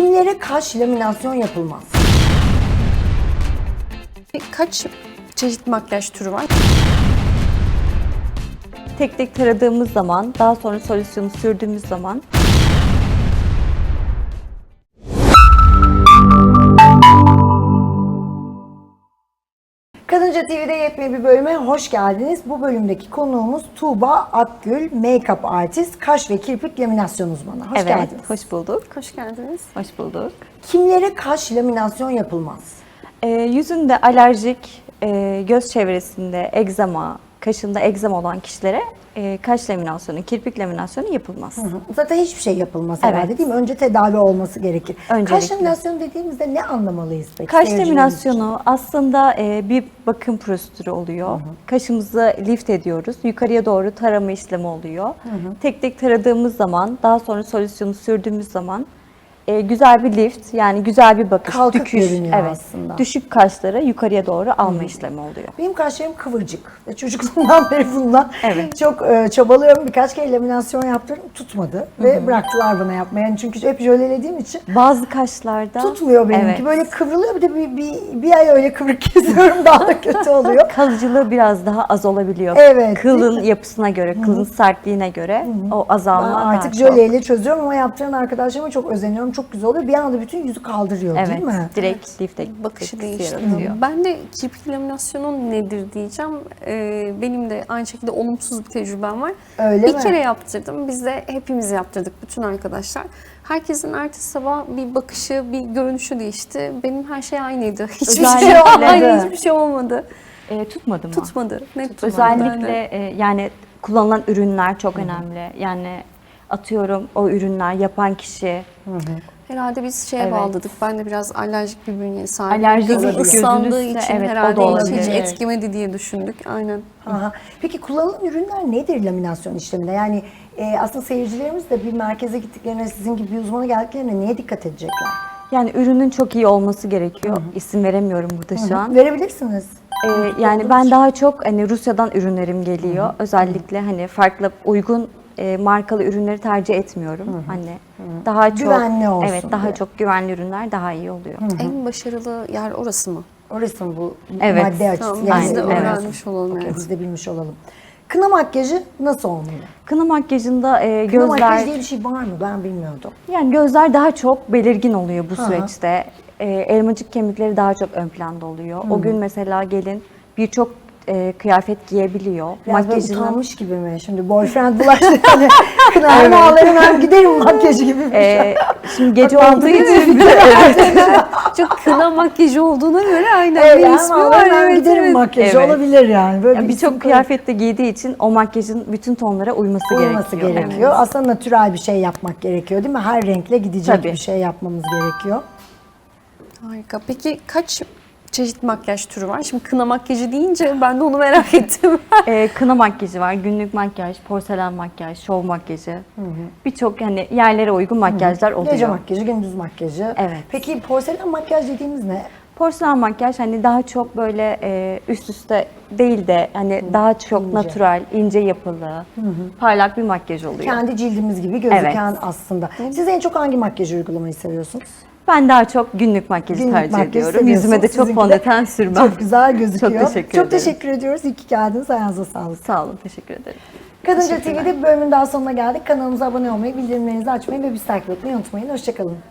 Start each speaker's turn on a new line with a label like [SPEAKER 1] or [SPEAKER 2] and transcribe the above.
[SPEAKER 1] Kimlere kaş laminasyon yapılmaz?
[SPEAKER 2] Kaç çeşit makyaj türü var?
[SPEAKER 3] Tek tek taradığımız zaman, daha sonra solüsyonu sürdüğümüz zaman
[SPEAKER 1] Kadınca TV'de yepyeni bir bölüme hoş geldiniz. Bu bölümdeki konuğumuz Tuğba Akgül, make-up artist, kaş ve kirpik laminasyon uzmanı. Hoş geldiniz.
[SPEAKER 3] hoş bulduk.
[SPEAKER 2] Hoş geldiniz.
[SPEAKER 3] Hoş bulduk.
[SPEAKER 1] Kimlere kaş laminasyon yapılmaz?
[SPEAKER 3] Yüzünde alerjik, göz çevresinde egzama, kaşında egzama olan kişilere kaş laminasyonu, kirpik laminasyonu yapılmaz.
[SPEAKER 1] Zaten hiçbir şey yapılmaz
[SPEAKER 3] Evet.
[SPEAKER 1] herhalde değil mi? Önce tedavi olması gerekir.
[SPEAKER 3] Öncelikle.
[SPEAKER 1] Kaş laminasyonu dediğimizde ne anlamalıyız peki?
[SPEAKER 3] Kaş
[SPEAKER 1] seyircilerimiz
[SPEAKER 3] laminasyonu aslında bir bakım prosedürü oluyor. Kaşımızı lift ediyoruz. Yukarıya doğru tarama işlemi oluyor. Tek tek taradığımız zaman, daha sonra solüsyonu sürdüğümüz zaman güzel bir lift, yani güzel bir bakış.
[SPEAKER 1] Kalkık görünüyor aslında.
[SPEAKER 3] Düşük kaşları yukarıya doğru alma işlemi oluyor.
[SPEAKER 1] Benim kaşlarım kıvırcık. Ve çocukluğumdan beri bundan
[SPEAKER 3] Evet.
[SPEAKER 1] çok çabalıyorum. Birkaç kere laminasyon yaptırdım. Tutmadı. Ve bıraktılar bana yapmaya. Yani çünkü hep jölelediğim için
[SPEAKER 3] Bazı kaşlarda
[SPEAKER 1] tutmuyor benimki.
[SPEAKER 3] Evet.
[SPEAKER 1] Böyle kıvrılıyor. Bir de bir ay öyle kıvrık geziyorum. Daha da kötü oluyor.
[SPEAKER 3] Kalıcılığı biraz daha az olabiliyor.
[SPEAKER 1] Evet,
[SPEAKER 3] Kılın yapısına göre, kılın sertliğine göre o
[SPEAKER 1] Ben
[SPEAKER 3] azalma
[SPEAKER 1] artık
[SPEAKER 3] daha çok.
[SPEAKER 1] jöleyle çözüyorum ama yaptıran arkadaşlarıma çok özeniyorum. Çok güzel oluyor. Bir anda bütün yüzü kaldırıyor
[SPEAKER 3] Evet,
[SPEAKER 1] değil mi?
[SPEAKER 3] direkt lifte
[SPEAKER 2] Bakışı
[SPEAKER 3] etkisi
[SPEAKER 2] değiştiriyor.
[SPEAKER 3] yaratıyor.
[SPEAKER 2] Ben de kirpik laminasyonu nedir diyeceğim. Benim de aynı şekilde olumsuz bir tecrübem var.
[SPEAKER 1] Öyle
[SPEAKER 2] bir
[SPEAKER 1] mi?
[SPEAKER 2] kere yaptırdım. Biz de hepimiz yaptırdık, bütün arkadaşlar. Herkesin ertesi sabah bir bakışı, bir görünüşü değişti. Benim her şey aynıydı. Hiçbir şey
[SPEAKER 3] Özellikle
[SPEAKER 2] olmadı.
[SPEAKER 3] de-
[SPEAKER 2] Aynı, hiçbir şey olmadı.
[SPEAKER 3] Tutmadı mı?
[SPEAKER 2] Tutmadı. Net tutmadı.
[SPEAKER 3] Özellikle yani kullanılan ürünler çok önemli. Yani atıyorum o ürünler yapan kişi
[SPEAKER 2] Herhalde biz şeye
[SPEAKER 3] Evet.
[SPEAKER 2] bağladık. Ben de biraz alerjik bir bünyeye sahibim.
[SPEAKER 3] Alerjik
[SPEAKER 2] Gözüm
[SPEAKER 1] olabilir.
[SPEAKER 2] ıslandığı
[SPEAKER 3] Gözünüzde,
[SPEAKER 2] için
[SPEAKER 3] evet, o da
[SPEAKER 2] herhalde
[SPEAKER 3] olabilir.
[SPEAKER 2] hiç
[SPEAKER 3] Evet.
[SPEAKER 2] etkilemedi diye düşündük. Aynen.
[SPEAKER 1] Aha. Peki kullanılan ürünler nedir laminasyon işleminde? Yani aslında seyircilerimiz de bir merkeze gittiklerine, sizin gibi bir uzmana geldiklerine neye dikkat edecekler?
[SPEAKER 3] yani ürünün çok iyi olması gerekiyor. İsim veremiyorum burada şu an.
[SPEAKER 1] Verebilirsiniz.
[SPEAKER 3] Yani ben daha çok hani Rusya'dan ürünlerim geliyor. Özellikle hani farklı uygun markalı ürünleri tercih etmiyorum. Hani daha çok
[SPEAKER 1] Güvenli olsun
[SPEAKER 3] Evet, daha
[SPEAKER 1] diye.
[SPEAKER 3] çok güvenli ürünler daha iyi oluyor.
[SPEAKER 2] En başarılı yer orası mı?
[SPEAKER 1] Orası mı bu
[SPEAKER 3] Evet.
[SPEAKER 1] madde açısı?
[SPEAKER 2] Tamam,
[SPEAKER 1] Yani
[SPEAKER 2] biz de
[SPEAKER 3] evet.
[SPEAKER 2] öğrenmiş olalım
[SPEAKER 1] Okey,
[SPEAKER 2] yani.
[SPEAKER 1] biz de bilmiş olalım. Kına makyajı nasıl olmalı?
[SPEAKER 3] Kına makyajında
[SPEAKER 1] Kına
[SPEAKER 3] gözler
[SPEAKER 1] makyajı diye bir şey var mı? Ben bilmiyordum.
[SPEAKER 3] yani gözler daha çok belirgin oluyor bu
[SPEAKER 1] Hı hı.
[SPEAKER 3] süreçte. Elmacık kemikleri daha çok ön planda oluyor. O gün mesela gelin birçok kıyafet giyebiliyor.
[SPEAKER 1] Biraz böyle
[SPEAKER 3] Makyajının
[SPEAKER 1] utanmış gibi mi? Şimdi boyfriend bulaştı. Hani kına ağlarım ben giderim makyajı gibi bir şey.
[SPEAKER 3] şimdi gece
[SPEAKER 1] Bak,
[SPEAKER 3] olduğu
[SPEAKER 1] mantıklı
[SPEAKER 3] için bir de
[SPEAKER 2] Çok kına makyajı olduğuna göre aynen
[SPEAKER 1] Evet,
[SPEAKER 2] bir
[SPEAKER 1] yani
[SPEAKER 2] ismi
[SPEAKER 1] ağlarım
[SPEAKER 2] var.
[SPEAKER 1] ben
[SPEAKER 2] Evet,
[SPEAKER 1] giderim
[SPEAKER 2] evet.
[SPEAKER 1] makyajı
[SPEAKER 3] Evet.
[SPEAKER 1] olabilir yani. Böyle
[SPEAKER 3] yani
[SPEAKER 1] bir isim
[SPEAKER 3] birçok kıyafette giydiği için o makyajın bütün tonlara uyması
[SPEAKER 1] olması gerekiyor.
[SPEAKER 3] Evet.
[SPEAKER 1] Aslında natürel bir şey yapmak gerekiyor değil mi? Her renkle gidecek
[SPEAKER 3] Tabii.
[SPEAKER 1] bir şey yapmamız gerekiyor.
[SPEAKER 2] Harika. Peki kaç çeşit makyaj türü var? Şimdi kına makyajı deyince ben de onu merak ettim.
[SPEAKER 3] Kına makyajı var, günlük makyaj, porselen makyaj, şov makyajı. Birçok hani yerlere uygun makyajlar oluyor.
[SPEAKER 1] Gece makyajı, gündüz makyajı.
[SPEAKER 3] Evet.
[SPEAKER 1] Peki porselen makyaj dediğimiz ne?
[SPEAKER 3] Porselen makyaj hani daha çok böyle üst üste değil de hani daha çok
[SPEAKER 1] İnce.
[SPEAKER 3] natural, ince yapılı, parlak bir makyaj oluyor.
[SPEAKER 1] Kendi cildimiz gibi gözüken
[SPEAKER 3] Evet.
[SPEAKER 1] aslında. Siz en çok hangi makyaj uygulamayı seviyorsunuz?
[SPEAKER 3] Ben daha çok günlük makyajı
[SPEAKER 1] Günlük
[SPEAKER 3] tercih
[SPEAKER 1] makyaj
[SPEAKER 3] ediyorum.
[SPEAKER 1] seviyorsunuz.
[SPEAKER 3] Yüzüme de çok
[SPEAKER 1] Sizinki de
[SPEAKER 3] fondöten sürmem.
[SPEAKER 1] Çok güzel gözüküyor.
[SPEAKER 3] Çok teşekkür ederim.
[SPEAKER 1] teşekkür ediyoruz. İyi ki geldiniz. Ayağınıza sağlık.
[SPEAKER 3] Sağ olun, teşekkür ederim.
[SPEAKER 1] Kadınca TV'de bir bölümün daha sonuna geldik. Kanalımıza abone olmayı, bildirimlerinizi açmayı ve bizi takip etmeyi unutmayın. Hoşçakalın.